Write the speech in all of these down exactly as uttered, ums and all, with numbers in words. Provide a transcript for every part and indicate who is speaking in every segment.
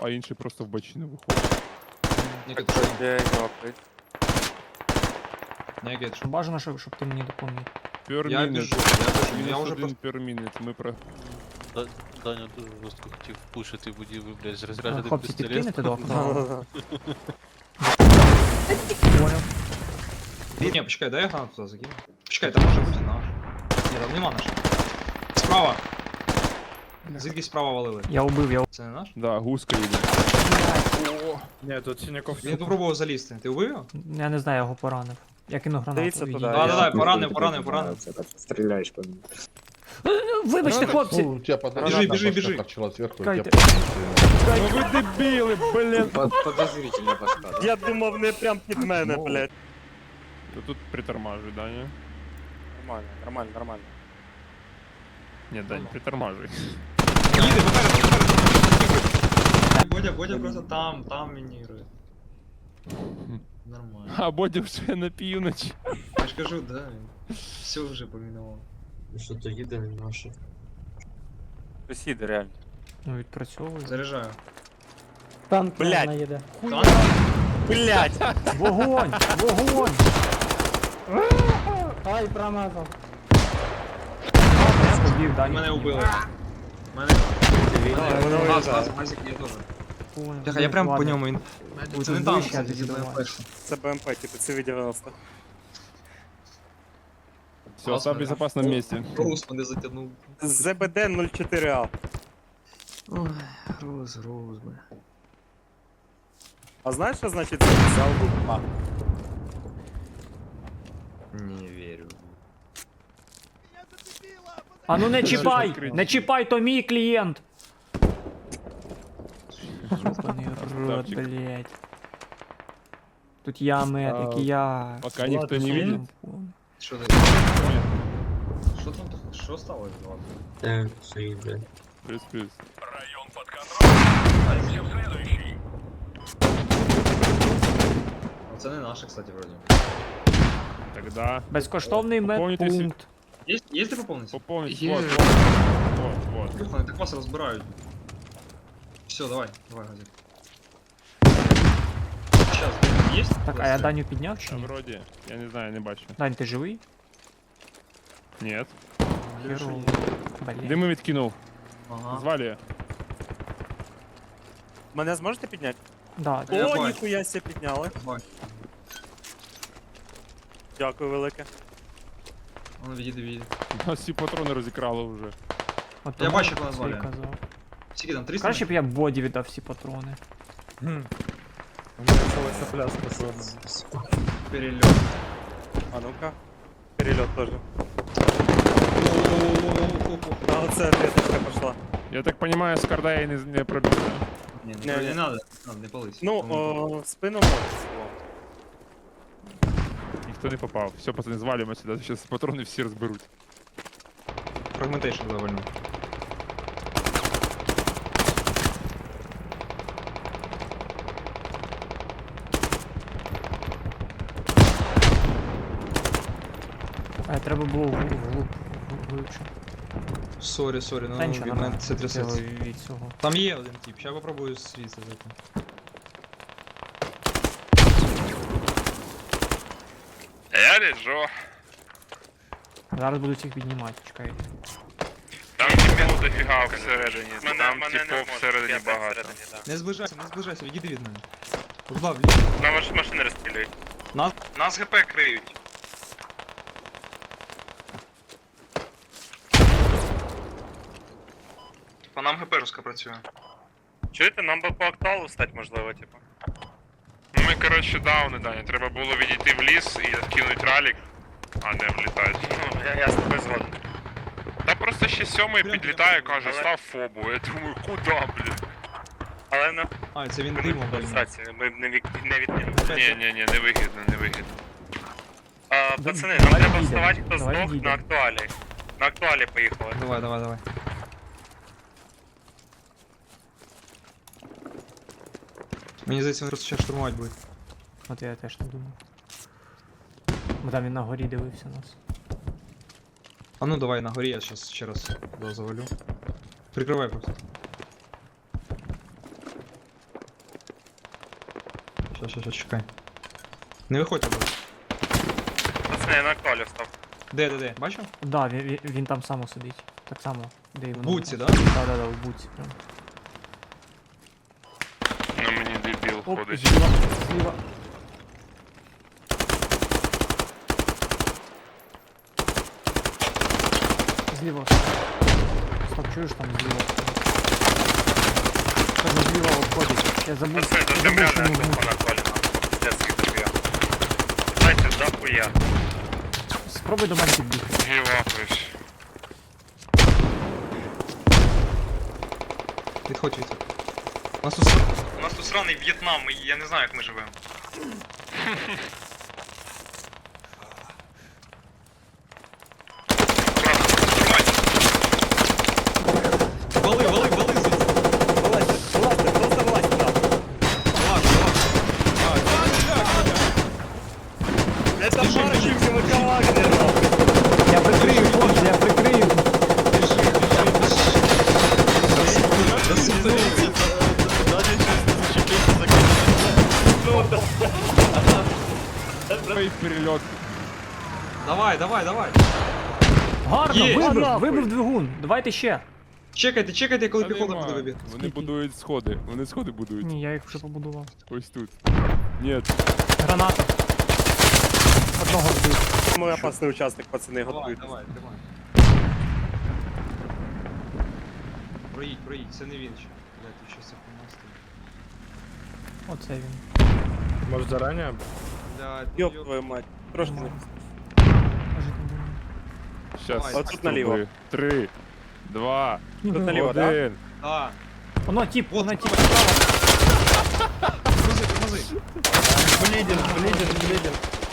Speaker 1: а інший просто в бочину виходить.
Speaker 2: Нікіт, що?
Speaker 3: Я йопить.
Speaker 2: Нікіт, що?
Speaker 4: Бажано, щоб, щоб ти мені допоміг.
Speaker 2: Я
Speaker 1: Per
Speaker 2: біжу,
Speaker 1: minute.
Speaker 2: я біжу, я
Speaker 1: Мінус
Speaker 2: вже
Speaker 1: один
Speaker 2: просто...
Speaker 1: per minute. Ми про...
Speaker 5: Да- Даня дуже жорстко хотів пушити будівлю, блядь, з
Speaker 4: Е,
Speaker 5: розрядженим
Speaker 4: Хлопці,
Speaker 5: пістолетом.
Speaker 4: підкинете до окна? Понял.
Speaker 2: Ні, почекай, дай я гранату туди закину. Почекай, там може бути наш. Ні, там нема наш. Справа! Звідки справа валили?
Speaker 4: Я убив, я убив.
Speaker 2: Це не наш?
Speaker 1: Да, гуска йде.
Speaker 6: Ні, тут синяков.
Speaker 2: Він попробував залізти. Ти убив його?
Speaker 4: Я не знаю, я його поранив. Я кинув гранату.
Speaker 3: Дивіться
Speaker 4: відійди.
Speaker 3: туди.
Speaker 2: Да, да, да,
Speaker 3: я-
Speaker 2: поранив, поранив, поранив.
Speaker 7: Стреляешь по мне.
Speaker 4: Вибачте, хлопці!
Speaker 8: Ну, у тебя под
Speaker 2: Біжи,
Speaker 8: граната
Speaker 2: біжи,
Speaker 8: башка
Speaker 2: біжи.
Speaker 8: торчала сверху, и
Speaker 4: Кайте.
Speaker 8: тебя
Speaker 1: Ну ви дебіли, блін!
Speaker 7: Под, подозрительно башка, да?
Speaker 3: Я думав, не прям під мене, блядь.
Speaker 1: То тут притормажуй, Даня.
Speaker 3: Нормально, нормально, нормально.
Speaker 1: Ні, Дань, притормажуй.
Speaker 2: Їде, попереду, попереду. Бодя, Бодя просто там, там мінірує. Нормально.
Speaker 1: А Бодя вже на півночі.
Speaker 2: Я ж кажу, да. Все вже помінував.
Speaker 7: Что то їде наше.
Speaker 3: Сусіди, реально.
Speaker 4: Ну, відпрацьовую.
Speaker 2: Заряджаю.
Speaker 7: Танк
Speaker 3: Блядь.
Speaker 7: наїде.
Speaker 2: Танк?
Speaker 3: Блядь!
Speaker 4: Вогонь! Вогонь!
Speaker 7: Ай, промазав.
Speaker 4: Я побіг, Дані.
Speaker 2: Мене вбили. Мене... Газ, газ, газик, я теж. Бляха, я прям по ньому, він... Це не танк, це БМП.
Speaker 3: Це БМП, типу, це дев'яносто.
Speaker 1: Все, остав в безопасном месте.
Speaker 2: Рус мене затягнув.
Speaker 3: ЗБД нуль чотири А.
Speaker 2: Ой, Рус, Рус, бля.
Speaker 3: А знаєш, що значить це взяв А?
Speaker 2: Не вірю.
Speaker 4: А ну не чіпай!
Speaker 1: відкрити.
Speaker 4: Не чіпай, то мій клієнт! Ёбаний рот,
Speaker 1: Красавчик.
Speaker 4: блядь. Тут я медик,
Speaker 1: А,
Speaker 4: і я...
Speaker 1: Пока никто не видит.
Speaker 2: Що ти? Що там таке? Що сталося, Влад?
Speaker 7: Так, все їде.
Speaker 1: Плюс-плюс.
Speaker 2: Це не наше, кстати, вроді.
Speaker 1: Тогда
Speaker 4: Безкоштовний
Speaker 1: Поповнюйте
Speaker 4: медпункт.
Speaker 2: Є, є ти поповниться?
Speaker 1: пополнить.
Speaker 2: Е.
Speaker 1: Вот, вот, вот, вот.
Speaker 2: Вони так вас розбирають. Все, давай, давай, газик. Сейчас, есть?
Speaker 4: Так, а я Даню підняв чи
Speaker 1: А
Speaker 4: ні?
Speaker 1: вроде, я не знаю, не бачу.
Speaker 4: Дань, ти живий?
Speaker 1: Нет.
Speaker 4: Херово. Блядь.
Speaker 1: Дими відкинув.
Speaker 2: Ага.
Speaker 1: Звали.
Speaker 3: Мене зможете підняти?
Speaker 4: Да,
Speaker 2: Я
Speaker 3: О,
Speaker 2: бачу.
Speaker 3: ніхуя ся підняли.
Speaker 2: Давай.
Speaker 3: Дякую велике.
Speaker 2: Воно відійде, відійде.
Speaker 1: У нас всі патрони розікрали вже.
Speaker 4: от
Speaker 2: Я
Speaker 4: тому
Speaker 2: бачу, як вона
Speaker 4: це й
Speaker 2: звалює.
Speaker 4: казав.
Speaker 2: Скільки там, триста?
Speaker 4: Краще б я Боді віддав всі патрони.
Speaker 6: У мене ціла пляшка сьогодні.
Speaker 2: Перельот.
Speaker 3: А ну-ка. Перельот теж. А оце ответочка пошла.
Speaker 1: Я так понимаю, з Кардая не, не пробіг.
Speaker 2: Не,
Speaker 3: Не,
Speaker 2: не,
Speaker 3: не.
Speaker 2: не надо, не надо, не пались.
Speaker 3: Ну,
Speaker 2: Тому-
Speaker 3: о, в спину може село.
Speaker 1: Ніхто не попав. Все, пацани, звалимо сюди. Зараз патрони всі розберуть.
Speaker 2: Фрагментейшн довольно.
Speaker 4: А треба було вглуб, вглуб, глибше.
Speaker 2: Сорі, сорі, ну
Speaker 4: Та нічого,
Speaker 2: від
Speaker 4: нормально.
Speaker 2: мене це трясеться.
Speaker 4: Від- Від цього.
Speaker 2: Там є один тип, сейчас попробую світи зайти.
Speaker 9: Я лежу.
Speaker 4: Зараз будуть їх піднімати, чекай.
Speaker 9: Там типів дофіга всередині. Там типів всередині багато.
Speaker 2: Не зближайся, не зближайся, відійди від мене. Куда, вліво.
Speaker 9: На ваші машини розстрілюють.
Speaker 2: Нас?
Speaker 9: Нас ГП криють. По нам ГП жорстко працює. Чуєте, нам би по актуалу стати можливо, типу. Ну ми, коротше, дауни, Даня. Треба було відійти в ліс і відкинути ралік, а не влітати. Ну, я, я з тобою згоден. Та просто ще сьомий підлітає, каже, став фобу. Я думаю, куди, блін? Але на
Speaker 2: А, це він димом, блін.
Speaker 9: ми не, від... не відкинемо. Ні, ні, ні, не вигідно, не вигідно. А,
Speaker 4: Да-
Speaker 9: пацани, нам
Speaker 4: давай
Speaker 9: треба
Speaker 4: відійдемо,
Speaker 9: вставати, хто
Speaker 4: давай
Speaker 9: здох на
Speaker 4: відійдемо.
Speaker 9: актуалі. На актуалі поїхали.
Speaker 2: Давай, давай, давай. Мені здається, він просто зараз штурмувати буде.
Speaker 4: От я теж не думав. Бо там він на горі дивився нас.
Speaker 2: А ну давай на горі, я сейчас ще раз да, завалю. Прикривай просто. Ща, ща, ща, чекай. Не виходь образ.
Speaker 9: Пацани, я на актуалі став.
Speaker 2: Де, де, де? Бачив?
Speaker 4: Да, він, він, він там само сидить. Так само, де і
Speaker 2: В
Speaker 4: воно.
Speaker 2: буці, да?
Speaker 4: Да, да, да, в буці. Прям.
Speaker 9: На мені дебіл
Speaker 4: Оп,
Speaker 9: ходить.
Speaker 4: зліва, зліва. Зліва. Стоп, чуєш там зліва? Кажу, зліва обходить. Я забув,
Speaker 9: Пацани,
Speaker 4: я
Speaker 9: до
Speaker 4: забув,
Speaker 9: земля
Speaker 4: що
Speaker 9: не
Speaker 4: він
Speaker 9: по актуалі нам. Детський доб'є. Дайте захуя.
Speaker 4: Спробуй до мене підбігти.
Speaker 9: Гівапуюсь.
Speaker 2: Відходь, відходь. У нас тут, сра- у нас тут сраний В'єтнам, і я не знаю, як ми живемо. Вали, вали, вали звідси.
Speaker 3: Вилазьте, вилазьте, просто вилазьте там.
Speaker 2: Вилазь, вилазь.
Speaker 3: Это маркетинговый коллайдер, нахуй.
Speaker 4: Я прикрию, хлопці, я прикрию.
Speaker 1: Ой, перельот.
Speaker 2: Давай, давай, давай.
Speaker 4: Гарно,
Speaker 2: Є.
Speaker 4: вибив,
Speaker 3: Нахуй.
Speaker 4: вибив двигун. Давайте ще.
Speaker 2: Чекайте, чекайте, коли
Speaker 1: Та
Speaker 2: піхота
Speaker 1: нема.
Speaker 2: буде вибіг.
Speaker 1: Вони будують сходи. Вони сходи будують.
Speaker 4: Ні, я їх вже побудував.
Speaker 1: Ось тут. Ні,
Speaker 4: Граната. Одного вбив.
Speaker 3: Самый опасный участок, пацаны,
Speaker 2: Давай,
Speaker 3: готуйтесь.
Speaker 2: давай, тримай. Проїдь, проїдь, це не він ще. Блядь, тут щось захуйня
Speaker 4: Оце він.
Speaker 6: Может заранее?
Speaker 2: Блядь,
Speaker 3: Ёб
Speaker 2: ну,
Speaker 3: твою мать. Трошки не...
Speaker 4: Може, не думаю.
Speaker 1: щас.
Speaker 2: Давай.
Speaker 3: Отут наліво.
Speaker 1: спробую. Три, два,
Speaker 3: Тут наліво, да?
Speaker 1: один.
Speaker 2: Да.
Speaker 4: Воно тіп,
Speaker 2: Вот,
Speaker 4: воно тіп.
Speaker 2: Тормози, тормози.
Speaker 3: Блидин, блидин, блидин.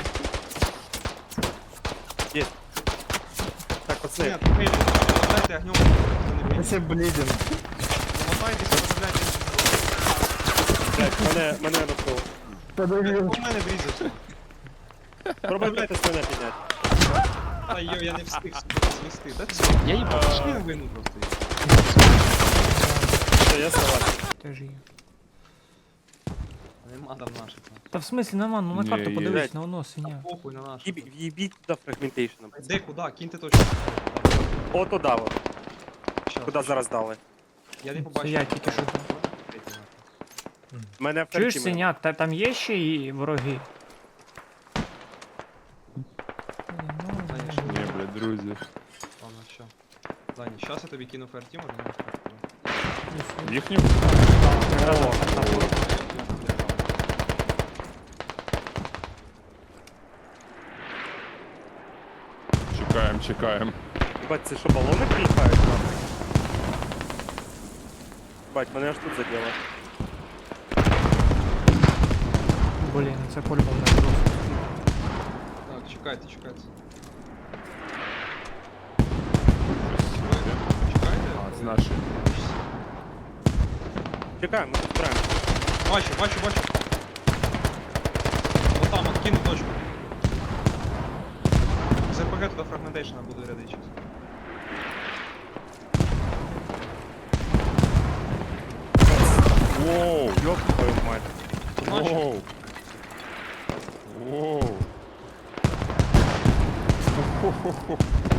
Speaker 3: Есть. Так, пацаны,
Speaker 2: Нет, эй, дайте огнем.
Speaker 6: Если блиден.
Speaker 2: Замотайтеся, розглядайте.
Speaker 3: блядь, мене, мене накрило.
Speaker 2: У мене врізався.
Speaker 3: Пробуйте з мене підняти.
Speaker 2: Та йо, я не встиг себе звести. Та все, я їбав, пішли на війну просто.
Speaker 3: Все, я согласен.
Speaker 4: Теж є.
Speaker 2: Нема там наших.
Speaker 4: Та в смислі нема, ну на
Speaker 1: Ні,
Speaker 4: карту
Speaker 1: є.
Speaker 4: подивись,
Speaker 3: Блядь.
Speaker 4: на воно синя.
Speaker 2: Похуй на наших.
Speaker 3: Їбі- В'їбіть туди фрагментейшеном.
Speaker 2: Де, куди? Киньте точку.
Speaker 3: О, туди, от.
Speaker 2: Щас,
Speaker 3: Куди зараз дали.
Speaker 2: Я не побачив.
Speaker 4: я тільки що.
Speaker 3: Мене в
Speaker 4: Чуєш,
Speaker 3: карті мене.
Speaker 4: синяк, та там є ще і вороги.
Speaker 1: Ні, блядь, друзі.
Speaker 2: Ладно, що. Дані, щас я тобі кину ферті, можна не встати.
Speaker 1: Їхню? Чекаємо, чекаємо.
Speaker 3: Бать, це що, балони кліпають нам? Бать, мене аж тут задело.
Speaker 4: Блін, це по-любому не просто.
Speaker 2: Так, чекайте, чекайте.
Speaker 1: А,
Speaker 2: Чекайте?
Speaker 1: це наші.
Speaker 3: Чекаємо, ми тут збираємо.
Speaker 2: Бачу, бачу, бачу. Вот там, от кину точку. З РПГ туди фрагментейшна буду ряди зараз.
Speaker 1: Воу!
Speaker 3: Ёб твою мать.
Speaker 2: Наші.
Speaker 1: Воу! Воу! Хо-хо-хо.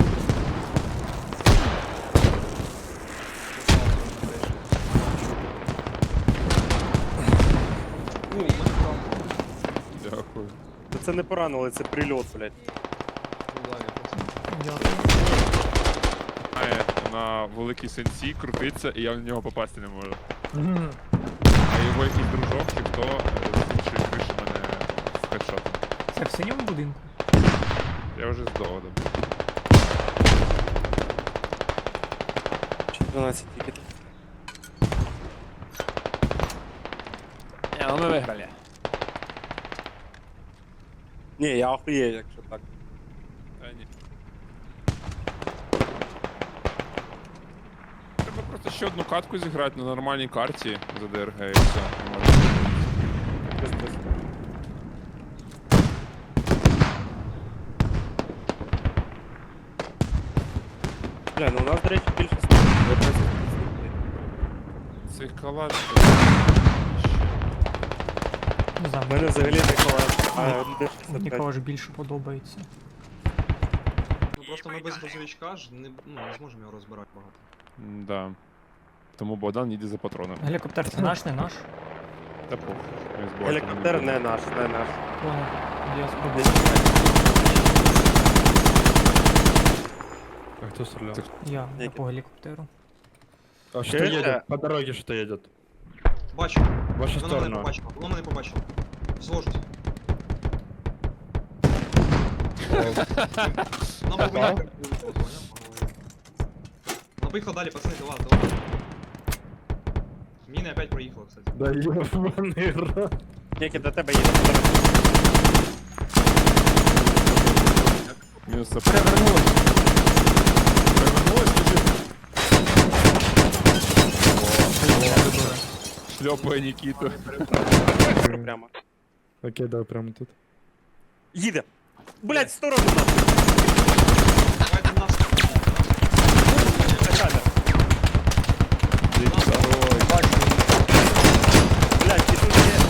Speaker 2: О, у мене правда.
Speaker 1: Дякую.
Speaker 3: Та це не поранили, це прильот, блядь.
Speaker 2: Ну, да, я просто-
Speaker 4: Дякую.
Speaker 1: Має на великій сенсі крутиться, і я в нього попасти не можу. А його якийсь дружок чи хто е, з іншої криші мене скайшотом.
Speaker 4: Це в синьому будинку?
Speaker 1: Я вже здогадав.
Speaker 3: дванадцять тільки.
Speaker 1: Не, ну ми виграли.
Speaker 3: Ні, я охуєю, якщо так.
Speaker 1: Та ні. Треба просто ще одну катку зіграти на нормальній карті за ДРГ і все.
Speaker 3: Без- без. Бля, ну у нас, до речі, більше снайперів.
Speaker 1: Цей калаш.
Speaker 4: Не знаю,
Speaker 3: У мене взагалі Нікола. А,
Speaker 4: Ні.
Speaker 3: один шістдесят п'ять.
Speaker 4: Нікого ж більше подобається.
Speaker 2: Ну просто ми без грузовичка ж не, ну, не зможемо його розбирати багато.
Speaker 1: Да. Тому Богдан їде за патроном.
Speaker 4: Гелікоптер це наш, не наш?
Speaker 1: Та похуй. Ми з Богданом
Speaker 3: Гелікоптер
Speaker 1: їдемо.
Speaker 3: не наш, не наш.
Speaker 4: Понял. Я спробую.
Speaker 6: А кто стрелял?
Speaker 4: Я, я
Speaker 3: Який?
Speaker 4: по гелікоптеру.
Speaker 6: А что
Speaker 3: Чуєте?
Speaker 6: едет? По дороге что едет?
Speaker 2: Бачу.
Speaker 6: В вашу
Speaker 2: Воно мене
Speaker 6: сторону.
Speaker 2: побачило. Воно мене побачило. Зложусь. Нам би виїхати. Нам поїхав далі, пацани, тила, тила. Міни опять проїхала, кстати.
Speaker 6: Да ебаный рот.
Speaker 3: Тільки до тебе їде.
Speaker 1: Мінус це
Speaker 4: Перевернулись.
Speaker 1: перевернулось, біжи. Шльопає Нікіту.
Speaker 3: Прямо.
Speaker 6: Окей, да, прямо тут.
Speaker 3: Їде. Блять, в сторону нас.
Speaker 2: Давайте нас.
Speaker 3: Качати.
Speaker 1: Ой,
Speaker 3: Блять, і тут є.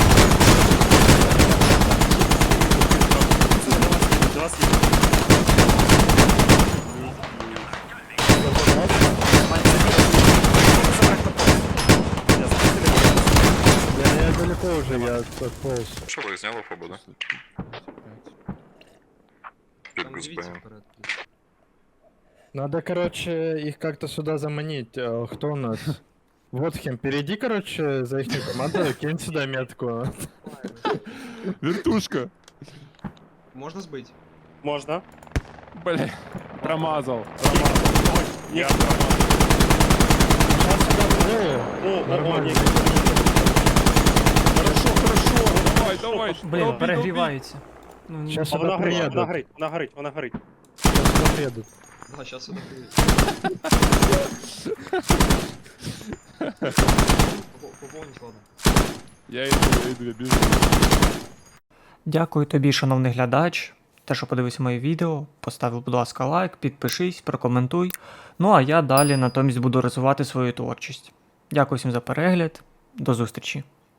Speaker 3: До вас їде.
Speaker 6: Я, я далеко уже, я отполз.
Speaker 9: Що ви зняли фобу, да? Під
Speaker 2: Там дивіться
Speaker 9: Гузбеєм.
Speaker 2: вперед.
Speaker 6: Надо, короче, их как-то сюда заманить. А, кто у нас? Вот хем, перейди, короче, за их команду, кинь сюда метку.
Speaker 1: вертушка.
Speaker 2: Можна збити?
Speaker 3: Можна.
Speaker 1: Бля, промазал.
Speaker 3: Ні.
Speaker 6: Сейчас сюда вживую.
Speaker 3: О, о, о,
Speaker 6: Нормально.
Speaker 3: ні.
Speaker 1: Хорошо, хорошо. Давай, давай.
Speaker 4: Блін,
Speaker 1: долби, долби.
Speaker 4: перегрівається. Ну, ні.
Speaker 6: Щас
Speaker 3: А вона
Speaker 6: сюда
Speaker 3: горить, вона
Speaker 6: приедут.
Speaker 3: горить, вона горить, вона горить.
Speaker 6: Сейчас сюда приедут.
Speaker 2: Да, зараз сюди приїде. Поповніть, ладно.
Speaker 1: Я йду, я йду, я біжу.
Speaker 4: Дякую тобі, шановний глядач, те, що подивився моє відео. Постав, будь ласка, лайк, підпишись, прокоментуй. Ну а я далі натомість буду розвивати свою творчість. Дякую всім за перегляд. До зустрічі.